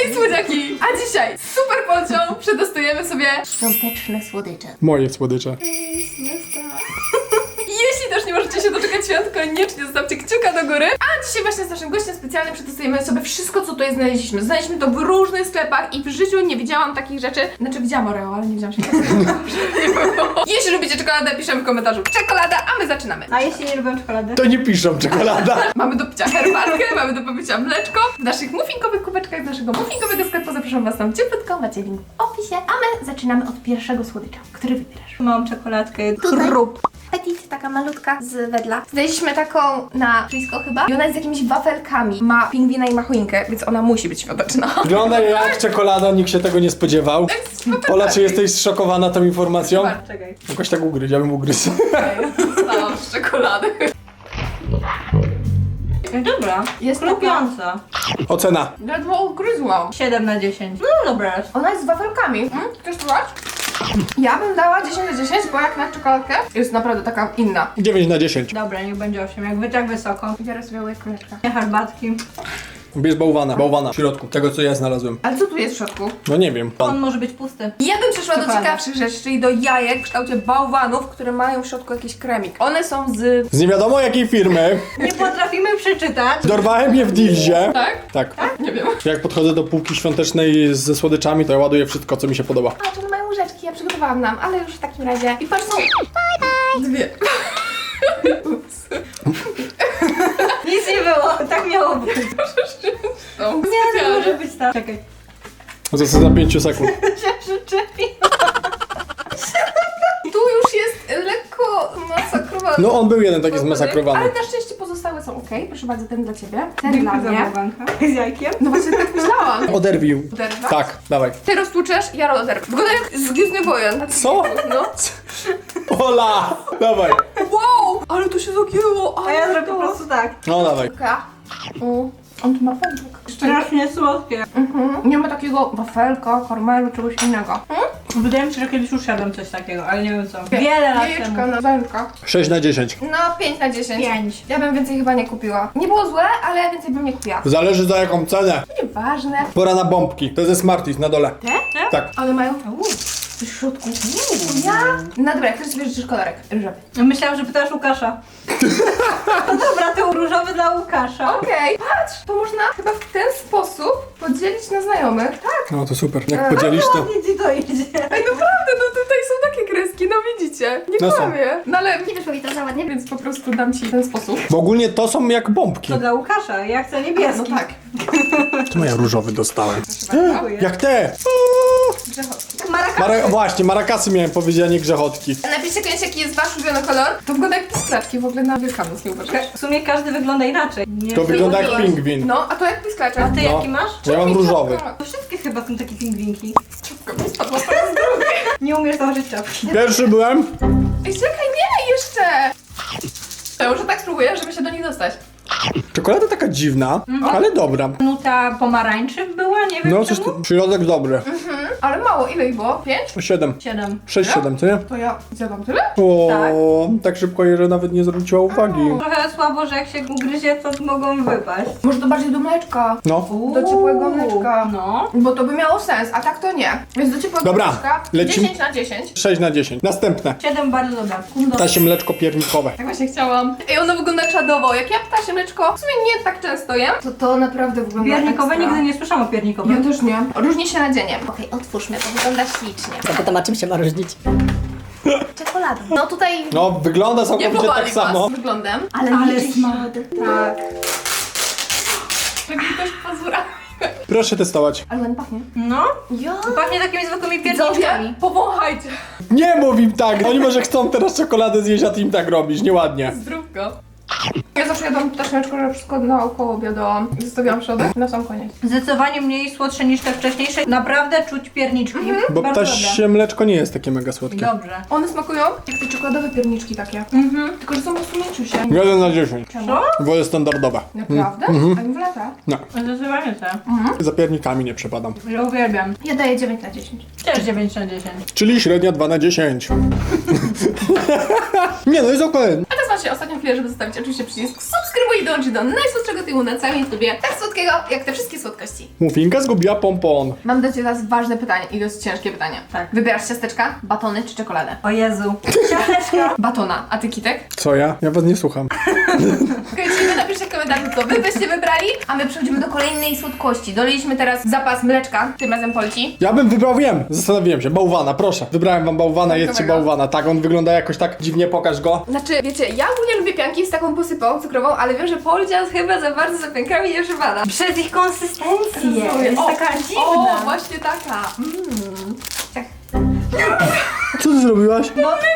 Hej słodziaki! A dzisiaj super pocią przetestujemy sobie świąteczne słodycze. Moje słodycze. Jeśli też nie możecie się doczekać świąt, koniecznie zostawcie kciuka do góry. A dzisiaj właśnie z naszym gościem specjalnym przetestujemy sobie wszystko, co tutaj znaleźliśmy. Znaleźliśmy to w różnych sklepach i w życiu nie widziałam takich rzeczy. Znaczy widziałam Oreo, ale nie widziałam się Jeśli lubicie czekoladę, piszemy w komentarzu czekolada, a my zaczynamy. A jeśli nie lubią czekolady? To nie piszą czekolada. Mamy do picia herbatkę, mamy do popicia mleczko. W naszych muffinkowych kubeczkach z naszego muffinkowego sklepu zapraszam was tam cieplutko, macie link w opisie. A my zaczynamy od pierwszego słodycza. Który wybierasz? Mam czekoladkę. Tutaj? Krup. Petit, taka malutka z wedla. Znaleźliśmy taką na blisko chyba i ona jest z jakimiś wafelkami. Ma pingwina i ma choinkę, więc ona musi być świąteczna. Wygląda jak czekolada, nikt się tego nie spodziewał. Ola, czy jesteś zszokowana tą informacją? Czekaj. Jakoś tak ugryź, ja bym ugryzł. Dostałam z czekolady. Dobra. Jest Lubiąca. Ocena. Ledwo ugryzłam. 7 na 10. No dobra. Ona jest z wafelkami. Chcesz spróbować? Ja bym dała 10 na 10, bo jak na czekoladkę jest naprawdę taka inna. 9 na 10. Dobra, niech będzie 8. Jak tak wysoko. Biorę sobie łyk mleczka. Nie herbatki. Bierz bałwana. Bałwana w środku. Tego, co ja znalazłem. Ale co tu jest w środku? No nie wiem. On może być pusty. Ja bym przeszła do Czekolada. ciekawszych rzeczy, czyli do jajek w kształcie bałwanów, które mają w środku jakiś kremik. One są z... Z nie wiadomo jakiej firmy. Nie potrafimy przeczytać. Dorwałem je w Dilzie. Tak? Tak. Nie wiem. Jak podchodzę do półki świątecznej ze słodyczami, to ja ładuję wszystko, co mi się podoba. A, tu mają łyżeczki, ja przygotowałam nam, ale już w takim razie. I patrz, są... Dwie. Nic nie było. Tak miało być. Są Nie, to może być tak. Czekaj. To co za 5 sekund. Się przyczepi. Tu już jest lekko masakrowany. No on był jeden taki zmasakrowany. Ale na szczęście pozostałe są ok. Proszę bardzo, ten dla ciebie. Ten dla mnie. bałwanka. Z jajkiem. No właśnie tak myślałam. Oderwił. Oderwać? Tak, dawaj. Ty roztłuczesz, ja oderwę. Wygląda jak z Gwiezdnych Wojen. Co? No. Ola! Dawaj. Wow! Ale to się zagięło. A ja zrobię po prostu tak. No dawaj. On tu ma pączek. Strasznie słodkie. Nie ma takiego wafelka, karmelu, czegoś innego. Wydaje mi się, że kiedyś już jadłem coś takiego, ale nie wiem co. Wiele lat Jajeczka temu. na zębka. 6 na 10. No 5 na 10. 5. Ja bym więcej chyba nie kupiła. Nie było złe, ale więcej bym nie kupiła. Zależy za jaką cenę. Nieważne. Pora na bombki. To jest ze Smarties na dole. Te? Tak. One mają coś w środku. Ja? No dobra, jak chcesz sobie życzysz kolorek różowy. Myślałam, że pytasz Łukasza. No dobra, to różowy dla Łukasza. Okej, patrz! To można chyba w ten sposób podzielić na znajomych. Tak. No to super. Jak podzielisz to. Ładnie ci to idzie. Ej, naprawdę, no tutaj są takie kreski, no widzicie. Nie No są. kłamię. No ale nie wyszło mi to za ładnie, więc po prostu dam ci w ten sposób. Bo ogólnie to są jak bombki. To dla Łukasza, ja chcę niebieski. No tak. Czemu ja różowy dostałem? Dziękuję. Jak te! Grzechotki. Właśnie, marakasy miałem powiedzieć, a nie grzechotki. Napiszcie koniecznie, jaki jest wasz ulubiony kolor. To wygląda jak pisklaczki w ogóle na Wielkanoc, nie uważasz? W sumie każdy wygląda inaczej. Nie To wygląda jak Mówiłaś. pingwin. No, a to jak pisklaczek. A ty No. jaki masz? Ja mam różowy. To wszystkie chyba są takie pingwinki. Czapka mi spadła po raz drugi. Nie umiesz założyć czapki. Pierwszy byłem. Ej, czekaj, nie, jeszcze! Ja może tak spróbuję, żeby się do nich dostać. Czekolada taka dziwna, ale dobra. Nuta pomarańczy była, nie wiem No coś czemu. tu, środek dobry. Ale mało, ile ich było? 5? 7. 7. 6, 7, co nie? To ja zjadłam tyle? O, tak szybko je, że nawet nie zwróciła uwagi. Trochę słabo, że jak się ugryzie, to mogą wypaść. Może to bardziej do mleczka. No. Do ciepłego mleczka. No. Bo to by miało sens, a tak to nie. Więc do ciepłego Dobra, mleczka lecimy. 10 na 10. 6 na 10. Następne. 7 bardzo dobre. Ptasie mleczko piernikowe. Tak właśnie chciałam. Ej, ono wygląda czadowo. Jak ja ptasie mleczko w sumie nie tak często jem, to naprawdę wygląda Piernikowe ekstra. nigdy nie słyszałam o Ja piernikowym. też nie. Różni się nadzieniem. Okej, otwórzmy, to wygląda ślicznie. A potem a czym się ma różnić? Czekoladą. No tutaj No, wygląda nie całkowicie powali tak samo. was wyglądem. Ale smak. Tak. Taki ktoś pazura. Proszę testować. Ale ładnie pachnie. No. Ja. Pachnie takimi zwykłymi pierniczkami. Widzowie, powąchajcie. Nie mów im tak! Oni może chcą teraz czekoladę zjeść, a ty im tak robisz. Nieładnie. Zdrówko. Ja zawsze jadłam ptaszniaczko, że wszystko naokoło obiadałam. Zostawiłam środek na sam koniec. Zdecydowanie mniej słodsze niż te wcześniejsze. Naprawdę czuć pierniczki. Bo Bardzo ptasie mleczko nie jest takie mega słodkie. Dobrze. One smakują jak te czekoladowe pierniczki takie. Tylko, że są po prostu mięciusie. 1 na 10. Czemu? Co? Wolę standardowe. Naprawdę? A nie wlata? No. Zdecydowanie te. Za piernikami nie przepadam. Ja uwielbiam. Ja daję 9 na 10. Też 9 na 10. Czyli średnia 2 na 10. Nie no, jest okej. A teraz macie ostatnią chwilę, żeby zostawić oczywiście przycisk subskrybuj i dołączyć do najsłodszego tyłu na całym YouTubie. Tak słodkiego, jak te wszystkie słodkości. Muffinka zgubiła pompon. Mam do Ciebie teraz ważne pytanie i dość ciężkie pytanie. Tak. Wybierasz ciasteczka, batony czy czekoladę? O Jezu. Ciasteczka. Batona, a Ty, Kitek? Co ja? Ja was nie słucham. Okej, czyli wy napiszcie w komentarzu, co wy byście wybrali, a my przechodzimy do kolejnej słodkości. Doliliśmy teraz zapas mleczka, tym razem Polci. Ja bym wybrał, wiem, zastanowiłem się, bałwana, proszę. Wybrałem wam bałwana, jedzcie Gotowego. bałwana. Tak, on wygląda jakoś tak dziwnie, pokaż go. Znaczy, wiecie, ja ogólnie lubię pianki z taką posypą cukrową, ale wiem, że Polcia chyba za bardzo za piankami nie przepada. Przez ich konsystencję. Jest O, taka dziwna. O, właśnie taka. Tak. Co ty zrobiłaś?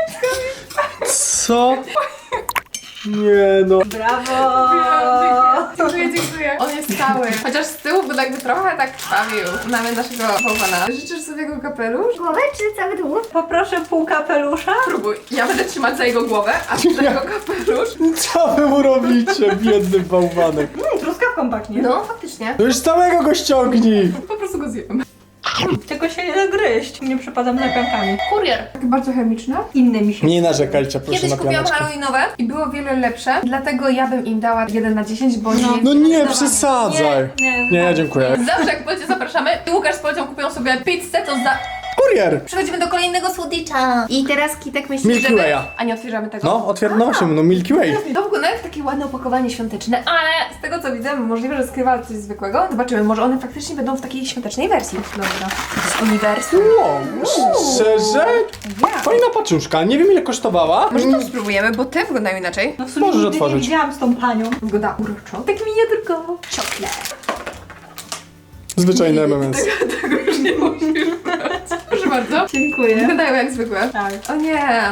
Co? Nie no. Brawo. Dziękuję, dziękuję. On jest cały. Chociaż z tyłu by jakby trochę tak krwawił. Mamy naszego bałwana. Życzysz sobie jego kapelusz? Głowę czy cały dół? Poproszę pół kapelusza. Próbuj. Ja będę trzymać za jego głowę, a ty za jego kapelusz. Co wy mu robicie, biedny bałwanek? Truskawką pachnie. No, faktycznie. To już całego go ściągnij. Po prostu go zjem. Tylko się nie da gryźć. Nie przepadam za piankami. Kurier. Takie bardzo chemiczne. Inne mi się. Nie narzekajcie, proszę Kiedyś na kupiłam pianeczkę. halloweenowe i było wiele lepsze, dlatego ja bym im dała 1 na 10, bo nie... No nie przesadzaj. Nie, Dziękuję. Zawsze jak Polcie zapraszamy i Łukasz z Polcią kupią sobie pizzę, to za... Kurier. Przechodzimy do kolejnego słodycza. I teraz Kitek myśli, Milky żeby... Way'a. A nie otwieramy tego? No, otwiernością, no Milky Way. To wygląda jak takie ładne opakowanie świąteczne, ale z tego co widzę, możliwe, że skrywa coś zwykłego. Zobaczymy, może one faktycznie będą w takiej świątecznej wersji. Dobra. Z uniwersum. Wow, szczerze? Fajna paczuszka, nie wiem ile kosztowała. Może to spróbujemy, bo te wyglądają inaczej. No w sumie Możesz nigdy nie otworzyć. widziałam z tą panią. Wygląda uroczo. Tak miniaturkowo. Czoklet. Zwyczajne MMS. Tego już nie musisz brać. Proszę bardzo. Dziękuję. Wyglądają jak zwykłe. Tak. O nie.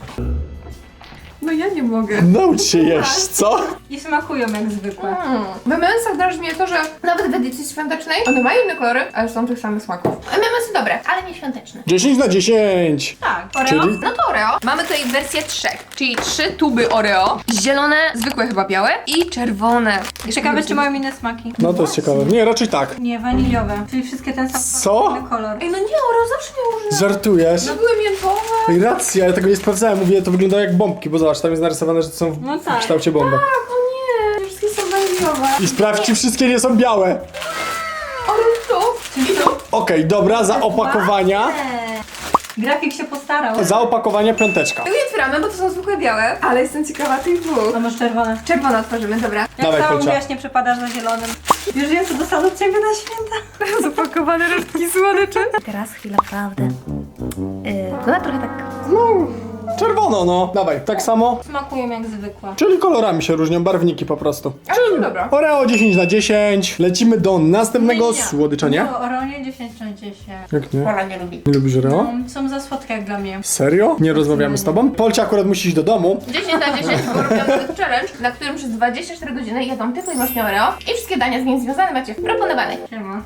No ja nie mogę. Naucz się jeść, co? I smakują jak zwykłe. W MMS-ach drażni mnie to, że nawet w edycji świątecznej one mają inne kolory, ale są tych samych smaków. MMS-y dobre, ale nie świąteczne. 10 na 10. Tak. Oreo? Czyli? No to Oreo. Mamy tutaj wersję 3, czyli 3 tuby Oreo. Zielone, zwykłe chyba białe i czerwone. Ciekawe, czy mają inne smaki. No to jest ciekawe. Nie, raczej tak. Nie, waniliowe. Czyli wszystkie ten sam Co? kolor. Ej, no nie, Oreo zawsze miało różne. Żartujesz? No były miętowe. Ej, racja, ja tego nie sprawdzałem. Mówię, to wygląda jak bombki, bo zobacz, tam jest narysowane, że to są No w tak. kształcie bombek. Tak, o nie. Wszystkie są waniliowe. I sprawdź, czy wszystkie nie są białe. Ale to. I to. Okej, dobra, za opakowania. Grafik się postarał. Za opakowania piąteczka. Tego nie otwieramy, bo to są zwykłe białe, ale jestem ciekawa tych dwóch. A masz czerwone. Czerwone otworzymy, dobra. Jak Dawaj, sama Kolcia. mówiłaś, nie przepadasz za zielonym. Już wiem, co dostaną od ciebie na święta. Zapakowane resztki słodyczy. Teraz chwila prawdy. Wygląda trochę tak. No, czerwono, no. Dawaj, tak samo. Smakują jak zwykłe. Czyli kolorami się różnią, barwniki po prostu. Ale dobra. Oreo 10 na 10. Lecimy do następnego Nie. słodycza, nie? No, Oronie 10 na 10. Jak nie? Pola nie lubi. Nie lubisz Oreo? Są za słodkie jak dla mnie. Serio? Nie rozmawiamy z tobą? Polcia akurat musi iść do domu. 10 na 10 był robiony challenge, na którym przez 24 godziny jedzą tylko i wyłącznie Oreo i wszystkie dania z nim związane macie w proponowanych. Siema.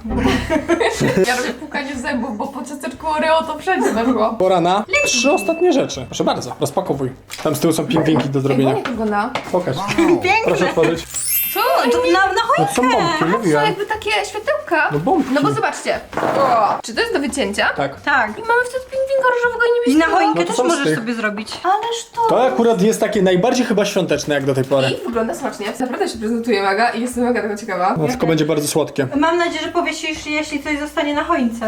Ja robię pukanie zębów, bo po ciasteczku Oreo to wszędzie weszło. Pora na 3 ostatnie rzeczy. Proszę bardzo, rozpakowuj. Tam z tyłu są pingwinki do Ej, zrobienia. ładnie to wygląda. Pokaż. Piękne. Proszę otworzyć. Co? To na No choinkę. są bombki, To mówiłem. jakby takie światełka. No bombki. No bo zobaczcie. O, czy to jest do wycięcia? Tak. Tak. I mamy wtedy pingwinka różowego i I na niebieskiego. choinkę No to też są z możesz tych. sobie zrobić. Ależ to. To akurat jest takie najbardziej chyba świąteczne jak do tej pory. I wygląda smacznie. Naprawdę się prezentuje mega i jestem mega tego ciekawa. No tylko będzie bardzo słodkie. Mam nadzieję, że powiesisz, jeśli coś zostanie na choince.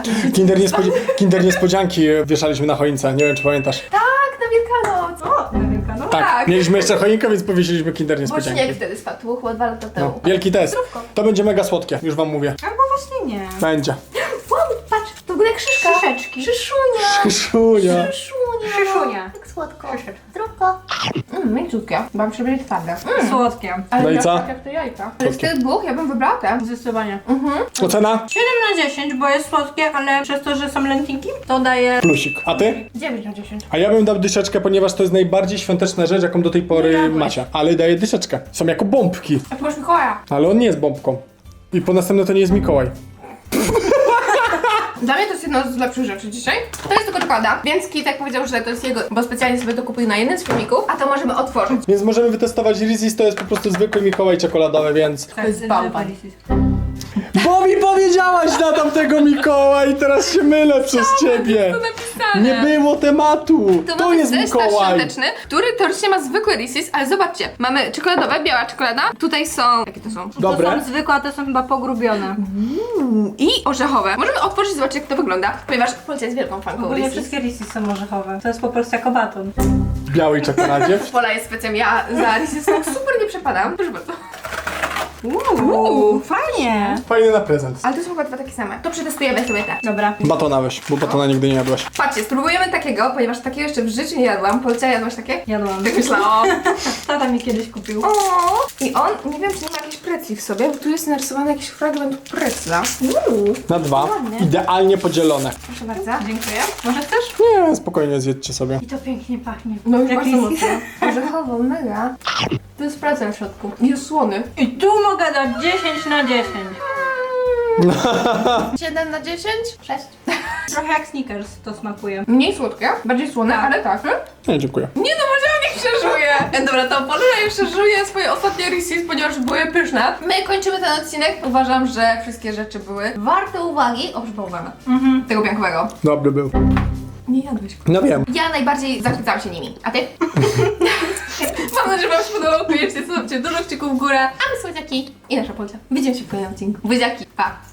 Kinder niespodzianki wieszaliśmy na choince, nie wiem czy pamiętasz. Tak, na Wielkanoc. O, Nowinka, no. Tak, tak. mieliśmy jeszcze choinkę, więc powiesiliśmy Kinder Bo niespodzianki. śnieg wtedy spadł, było chyba 2 lata temu. No, wielki test. To będzie mega słodkie, już wam mówię. Albo właśnie nie. Będzie. Wow, patrz, to wygląda jak szyszka. Szyszeczki. Szyszunia. Szunia. Szyszunia. Szyszunia. Tak słodko. Szyszeczki. Zdrówko. Mięciutkie. Mam przebiegł twarde. Słodkie. Ale No i ja co? tak jak te jajka. Ale z tych dwóch ja bym wybrała te. Zdecydowanie. Ocena? 7 na 10, bo jest słodkie, ale przez to, że są lętniki, to daje... Plusik. A ty? 9 na 10. A ja bym dał dyszeczkę, ponieważ to jest najbardziej świąteczna rzecz, jaką do tej pory Jadłeś. macie. Ale daję dyszeczkę. Są jako bombki. A tu masz Mikołaja. Ale on nie jest bombką. I po następne to nie jest Mikołaj. Dla mnie to jest jedno z lepszych rzeczy dzisiaj. To jest tylko czekolada, więc Kitek powiedział, że to jest jego, bo specjalnie sobie to kupił na jednym z filmików, a to możemy otworzyć. Więc możemy wytestować Reese's, to jest po prostu zwykły Mikołaj czekoladowy, więc... Tak, jest bałwan. Bo mi powiedziałaś na tamtego Mikołaj i teraz się mylę przez ciebie. To napisane. Nie było tematu. To To mamy jest zestaw Mikołaj. świąteczny, który teoretycznie ma zwykłe Reese's, ale zobaczcie, mamy czekoladowe, biała czekolada, tutaj są, jakie to są? Dobre. To są zwykłe, a te są chyba pogrubione. I orzechowe. Możemy otworzyć i zobaczyć, jak to wygląda, ponieważ Polcia jest wielką fanką Ogólnie Reese's. wszystkie Reese's są orzechowe. To jest po prostu jako baton. W białej czekoladzie. Pola jest specjalnie, ja za Reese's super nie przepadam. Proszę bardzo. Fajnie. Fajny na prezent. Ale to są chyba dwa takie same. To przetestujemy sobie te. Dobra. Batona weź, bo batona nigdy nie jadłaś. Patrzcie, spróbujemy takiego, ponieważ takiego jeszcze w życiu nie jadłam. Polcia, jadłaś takie? Jadłam. Tak myślałam. Tata mi kiedyś kupił. O, i on, nie wiem, czy nie ma jakiejś precli w sobie, bo tu jest narysowany jakiś fragment precla. Na 2. Ładnie. Idealnie podzielone. Proszę bardzo. Dziękuję. Może chcesz? Nie, spokojnie zjedźcie sobie. I to pięknie pachnie. No już Jak bardzo Reese's. mocno. Orzechowo, mega. To jest precel w środku. Jest słony. I tu mogę dać 10 na 10. 7 na 10? 6. Trochę jak Snickers to smakuje. Mniej słodkie, bardziej słone, ale tak. Nie, dziękuję. Nie no, może niech przeżuje. Dobra, to Polina już przeżuje swoje ostatnie Reese's, ponieważ były pyszne. My kończymy ten odcinek. Uważam, że wszystkie rzeczy były warte uwagi. Oprócz bałwana. Tego biankowego. Dobry był. Nie jadłeś. No wiem. Ja najbardziej zachwycałam się nimi. A ty? Mam nadzieję, że wam się podobało. Koniecznie zostawcie dużo kciuków w górę. A my słodziaki i nasza Polcia. Widzimy się w kolejnym odcinku. Buziaki, pa!